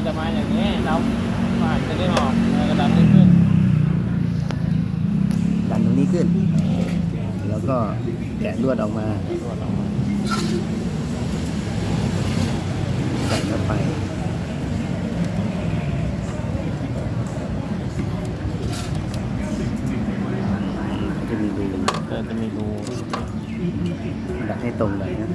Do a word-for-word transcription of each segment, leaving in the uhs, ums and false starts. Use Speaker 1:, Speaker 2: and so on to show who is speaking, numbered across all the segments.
Speaker 1: จะมาอย่างนี้เราผ่านจะได้ออกกระดันนี้ขึ้น
Speaker 2: ดันตรงนี้ขึ้นแล้วก็แกะลวดออกมา
Speaker 1: ลวดออกมา
Speaker 2: ใส่เข้าไปจะมีรู
Speaker 1: จะมีรู
Speaker 2: ดัดให้ตรงเลยนะ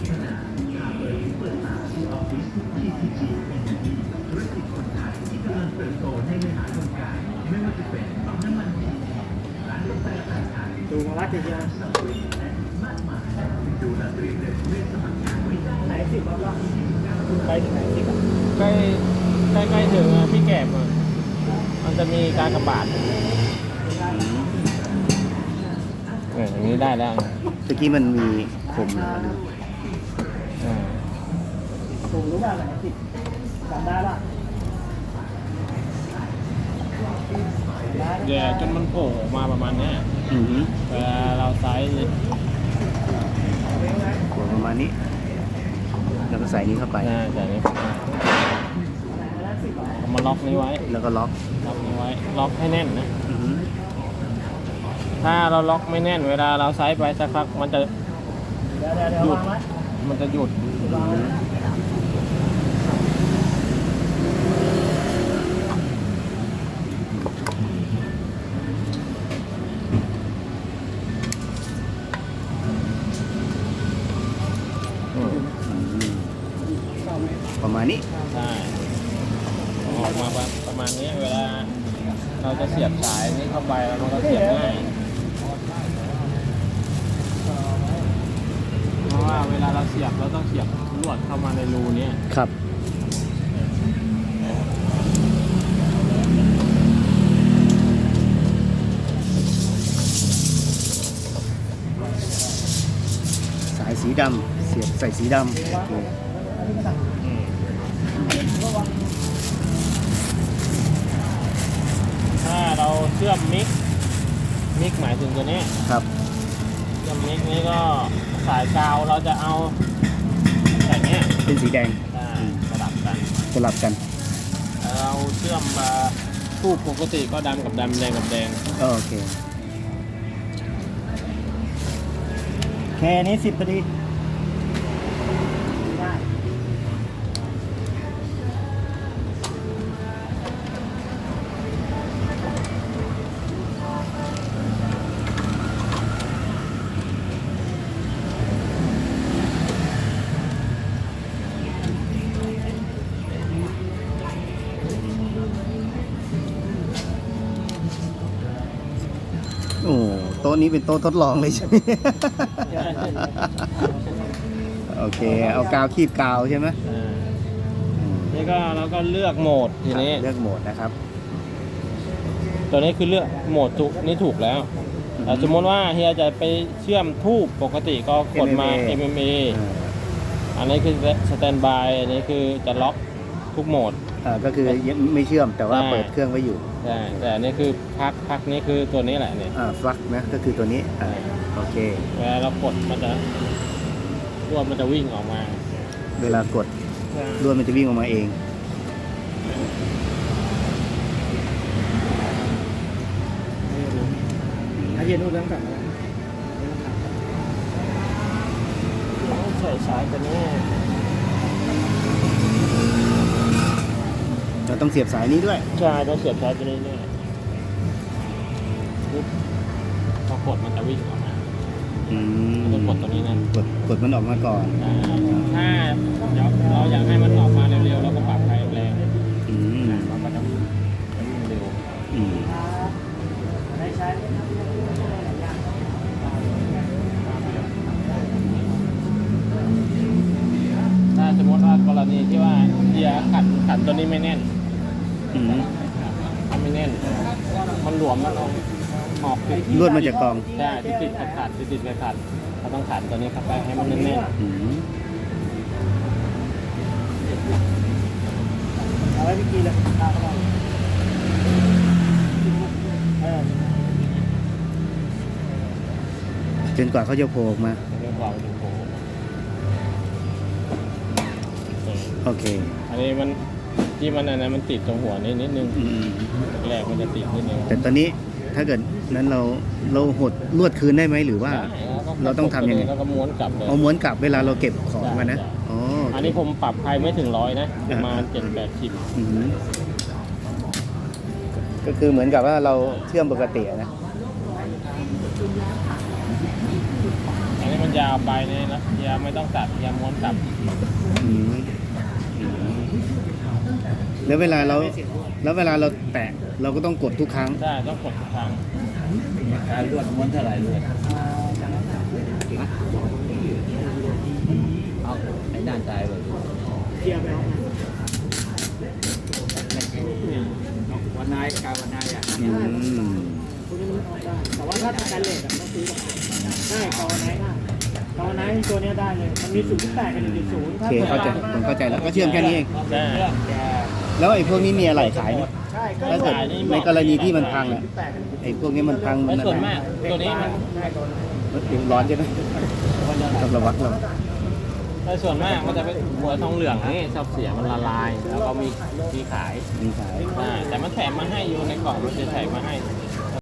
Speaker 1: ดูมาลักเยอะไหนสิบบ้างไปถึงไหนสิบใกล้ใกล้ใกล้ถึงพี่แกบมันจะมีการกระบาดเอออย่างนี้ได้แล้ว
Speaker 2: เมื่อกี้มันมีคมนะ
Speaker 1: ถูกรู้ว่าไหนสิบจำได้ละแย่จนมันโผล่ออกมาประมาณนี้เวลาเราไซส์
Speaker 2: โผล่ประมาณนี้แล้วก็ใส่นี้เข้าไป
Speaker 1: ใส่นี้เอามาล็อกนี้ไว้
Speaker 2: แล้วก็ล็อก
Speaker 1: ล็อกนี้ไว้ล็อกให้แน่นนะถ้าเราล็อกไม่แน่นเวลาเราไซส์ไปสักพักมันจะหยุดมันจะหยุด
Speaker 2: ประมาณนี้
Speaker 1: ใช่ออกมาประมาณนี้เวลาเราจะเสียบสายนี้เข้าไปเราก็เสียบง่ายเพราะว่าเวลาเราเสียบเราต้องเสียบลวดเข้ามาในรูนี้
Speaker 2: ครับสายสีดำเสียบใส่สีดำ
Speaker 1: ถ้าเราเชื่อมมิกมิกหมายถึงตัวนี้
Speaker 2: ครับ
Speaker 1: เชื่อมมิกนี้ก็สายกาวเราจะเอาสายนี้
Speaker 2: เป็นสีแดง
Speaker 1: สลับกัน
Speaker 2: สลับกัน
Speaker 1: เราเชื่อมทูบปกติก็ดำกับดำแดงกับแดง
Speaker 2: โอเคแค่นี้สิบพอดีโอ้โต๊ะนี้เป็นโต๊ะทดลองเลยใช่ไหมโอเคเอากาวคีบกาวใช่ไหม
Speaker 1: นี่ก็เราก็เลือกโหมดทีนี้
Speaker 2: เลือกโหมดนะครับ
Speaker 1: ตัวนี้คือเลือกโหมดถูกนี่ถูกแล้วแต่สมมติว่าเฮียจะไปเชื่อมทูบปกติก็กดมา เอ็ม เอ็ม เอ อันนี้คือสแตนบายอันนี้คือจะล็อกทุกโหมด
Speaker 2: อ่าก็คือยังไม่เชื่อมแต่ว่าเปิดเครื่องไว้อยู่
Speaker 1: ใช่แต่อันนี้คือพักพักนี้คือตัวนี้แหละเนี่ย
Speaker 2: อ่าฟลักนะก็คือตัวนี้อ่าโอเค
Speaker 1: เวลาเรากดมันจะลวดมันจะวิ่งออกมา
Speaker 2: เวลากดลวดมันจะวิ่งออกมาเอง
Speaker 1: ถ้าเย็นนู่นเรื่องแบบใส่สายตัวนี้
Speaker 2: เราต้องเสียบสายนี้ด้วย
Speaker 1: ใช่ต้องเสียบสายตัวนี้ด้วยพอกดมันจะวิ่งออกมา
Speaker 2: อืม
Speaker 1: ต้องกดตัวนี้นะ
Speaker 2: กดกดมันออกมาก่อน
Speaker 1: ถ้าเดี๋ยวเราอยากให้มันออกมาเร็วๆเราก็ปรับไฟแรง
Speaker 2: อืม
Speaker 1: มันก็จะวิ่งเร็ว
Speaker 2: อืม
Speaker 1: ถ้าสมมติว่ากรณีที่ว่าเกียร์ขันขันตัวนี้ไม่แน่น
Speaker 2: อืม
Speaker 1: มันไม่แน่นมันหลวมมันออกออก
Speaker 2: ลวดมันจะกอง
Speaker 1: ใช่ติดติดขัดขัดติดติดขัดขัดเราต้องขันตัวนี้เข้าไปให้มันแน่นแน่นเอาไว้พี่กีเลยตาเขาบอก
Speaker 2: จนกว่าเขาจะโผล่ออกมา
Speaker 1: จนกว่าจะโผล่
Speaker 2: โอเค
Speaker 1: อันนี้มันที่มันอันนั้นมันติดตรงหัวนิดนิดนึง
Speaker 2: อืม
Speaker 1: แรกมันจะติดนิดนึง
Speaker 2: แต่ตอนนี้ถ้าเกิดนั้นเราเราหดลวดคืนได้ไหมหรือว่า
Speaker 1: ได้แล้วก็
Speaker 2: เราต้องทำยังไง
Speaker 1: แล้วก็ม้วนกลับเลย
Speaker 2: เอาม้วนกลับเวลาเราเก็บของมานะ
Speaker 1: ใช่
Speaker 2: อ๋อ
Speaker 1: อันนี้ผมปรับใครไม่ถึงร้อยนะประมาณเจ็ดแปดสิบ
Speaker 2: อืมก็คือเหมือนกับว่าเราเชื่อมปกติอะนะ
Speaker 1: อันนี้มันยาวไปเนี่ยนะยาวไม่ต้องตัดยาวม้วนกลับ
Speaker 2: อืมแล้วเวลาเราแล้วเวลาเราแตะเราก็ต้องกดทุกครั้ง
Speaker 1: ได้ต้องกดทุกครั้ง
Speaker 3: การลวดม้วนเท่าไหร่ลวดเอาไอ้ด้านซ้ายเลย
Speaker 4: เทียบแล้ว
Speaker 3: วันนายการวันนายอ่ะ
Speaker 2: อืม
Speaker 4: คุณจะมันออกได้ แต่ว่าถ้าสแตนเลสอะต้องซื้อมาได้กอไนท์ได้กอไนท์ตัวเนี้ยได้เลย มันมีศูนย์จุดแปดกับหนึ่งจุดศูนย์
Speaker 2: โอเคเข้าใจผมเข้าใจแล้วก็เชื่อมแค่นี้เอง
Speaker 1: ได้
Speaker 2: แล้วไอ้พวกนี้มีอะไรขายไหม
Speaker 4: ใช่ก็
Speaker 2: ถ้าเกิดในกรณีที่มันพังอ่ะ
Speaker 4: แปดกับหนึ่งจุด
Speaker 2: ไอ้พวกนี้มันพัง
Speaker 1: และส่วนมากตัวนี้มัน
Speaker 4: ได้กอไนท์
Speaker 2: มันถึงร้อนใช่ไหมต้องระวังระวัง
Speaker 1: แต่ส่วนมากมันจะเป็นหัวทองเหลืองนี่ชอบเสียมันละลาย แล้วก็มีมีขาย
Speaker 2: มีขาย
Speaker 1: ได้แต่มันแถมมาให้อยู่ในกล่องมันจะแถมมาให้